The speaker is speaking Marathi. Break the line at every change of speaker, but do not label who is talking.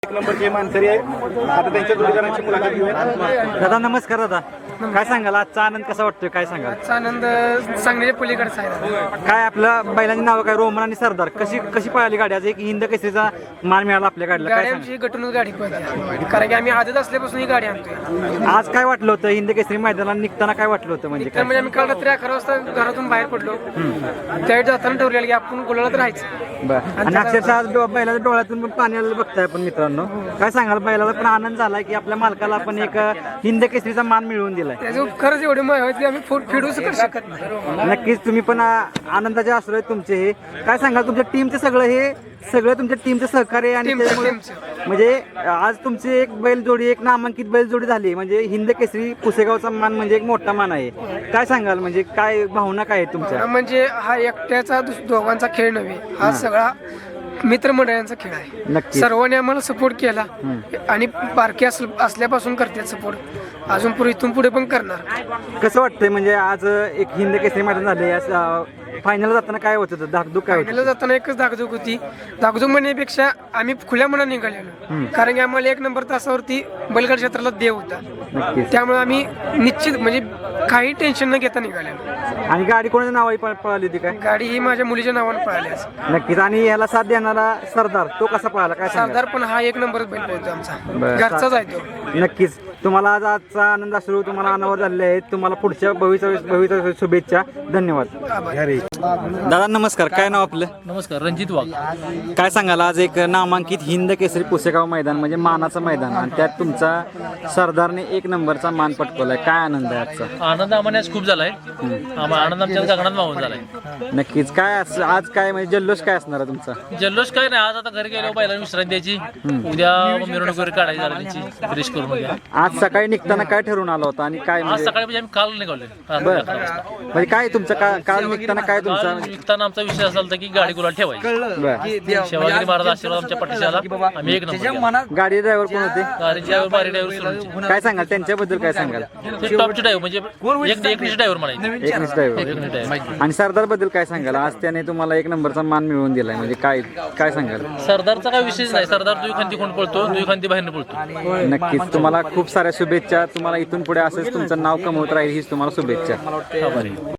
एक नंबरचे मानकरी आहे. आता त्यांच्या जोडीदारांची मुलाखत घेऊया.
दादा नमस्कार. दादा काय सांगाल, आजचा आनंद कसा वाटतोय, काय सांगाल?
आजचा आनंद सांगण्याच्या पलीकडचा आहे.
काय आपलं बैलांची नावं काय, रोमन आणि सरदार, कशी कशी पळाली गाडी? आज एक हिंद केसरीचा मान मिळाला आपल्या गाडीला, काय
गाडी आमची गटूनच गाडी पळते, कारण की आम्ही आदत असल्यापासून ही गाडी आणतोय.
सांगाल? आज काय वाटलं होतं हिंद केसरी मैदानाला निघताना, काय वाटलं होतं म्हणजे
तर म्हणजे आम्ही काल रात्री 11 वाजता घरातून बाहेर पडलो. त्यावेळी जाताना ठरवलेलं की आपण गुलालात राहायचं.
बरं. आणि अक्षरशः आज बैलाच्या डोळ्यातून पण पाणी आलेलं बघताय आपण मित्रांनो. काय सांगाल, बैलाला पण आनंद झालाय की आपल्या मालकाला आपण एक हिंद केसरीचा मान मिळवून दिलाय?
त्याचं खरंच एवढे माय की आम्ही फिडू शकत नाही.
नक्कीच तुम्ही पण आनंदाचे असू आहेत तुमचे. हे काय सांगाल, तुमच्या टीमचे सगळं तुमच्या टीमचं सहकार्य आणि त्याच्यामुळे म्हणजे आज तुमची एक बैलजोडी, एक नामांकित बैलजोडी झाली म्हणजे हिंद केसरी पुसेगावचा मान म्हणजे एक मोठा मान आहे. काय सांगाल, म्हणजे काय भावना काय आहे तुमच्या?
म्हणजे हा एकट्याचा दोघांचा खेळ नव्हे, हा सगळा मित्रमंडळांचा खेळ आहे.
नक्की.
सर्वांनी आम्हाला सपोर्ट केला आणि बारके असल्यापासून करतात सपोर्ट, अजून पुढे इथून पुढे पण करणार.
कसं वाटतंय म्हणजे आज एक हिंद केसरी मैदान झाले, फायनल जाताना काय होत होतं, धाकधूक काय होतं?
फायनलला जाताना एकच धाकधूक होती. धाकधूक म्हणण्यापेक्षा आम्ही खुल्या मनात निघालेलो, कारण की आम्हाला 1 नंबर तासावरती बैलगाडी क्षेत्राला देव होता.
नक्कीच.
त्यामुळे आम्ही निश्चित म्हणजे काही टेन्शन न घेता निघालेलो.
आणि गाडी कोणाच्या नावाही पळाली होती काय?
गाडी ही माझ्या मुलीच्या नावाने पळाली आज.
नक्कीच. आणि याला साथ देणारा सरदार, तो कसा पळाला, काय सांगाल?
सरदार पण हा 1 नंबरच बैल पळतो आमचा,
बरं.
घरचाच आहे तो.
नक्कीच. तुम्हाला आज आजचा आनंद असू, तुम्हाला अनावर झालेले आहेत. तुम्हाला पुढच्या भविष्यात शुभेच्छा. धन्यवाद. दादा नमस्कार. काय नाव आपलं?
नमस्कार, रणजित वाघ.
काय सांगाल, आज एक नामांकित हिंद केसरी पुसेगाव मैदान म्हणजे मानाचं मैदान, आणि त्यात तुमचा सरदारने 1 नंबरचा मान पटकवलाय, काय आनंद आहे आजचा?
आनंद आम्हाला आज खूप झालाय. आनंद आमच्या गगनात मावून झालाय.
नक्कीच. काय आज काय म्हणजे जल्लोष काय असणार आहे तुमचा?
जल्लोष काय नाही, आज आता घरी गेलो बैलांना विश्रांती द्यायची, उद्या मिरवणूक वगैरे काढायची झाली त्यांची, फ्रेश करून उद्या.
आज सकाळी निघताना काय ठरवून आला होता आणि काय
आज
म्हणजे
सकाळी म्हणजे आम्ही काल निघालोय.
बरं. म्हणजे काय तुमचं काल निघताना काय तुमचा
काल निघताना आमचा विषय असा होता की गाडी गुलाल ठेवायची.
बरं.
शिवाजी महाराज आशीर्वाद आमच्या पाठीशी आला, आम्ही 1 नंबर.
गाडी ड्रायव्हर कोण होते?
गाडीची बारी ड्रायव्हर
काय सांगाल त्यांच्याबद्दल, काय सांगाल?
ते टॉपचे ड्रायव्हर म्हणजे एकनिष्ठ ड्रायव्हर म्हणायचे.
एकनिष्ठ ड्रायव्हर. आणि सरदार बद्दल काय सांगाल? आज त्याने तुम्हाला 1 नंबरचा मान मिळवून दिलाय म्हणजे काय काय सांगाल?
सरदारचा काय विषयच नाही. सरदार दुई खांदी कोण पळतो, दुई खांदी बाहेरनं पळतो.
नक्कीच. तुम्हाला खूप साऱ्या शुभेच्छा. तुम्हाला इथून पुढे असंच तुमचं नाव कमवत राहील हीच तुम्हाला शुभेच्छा.
आभारी.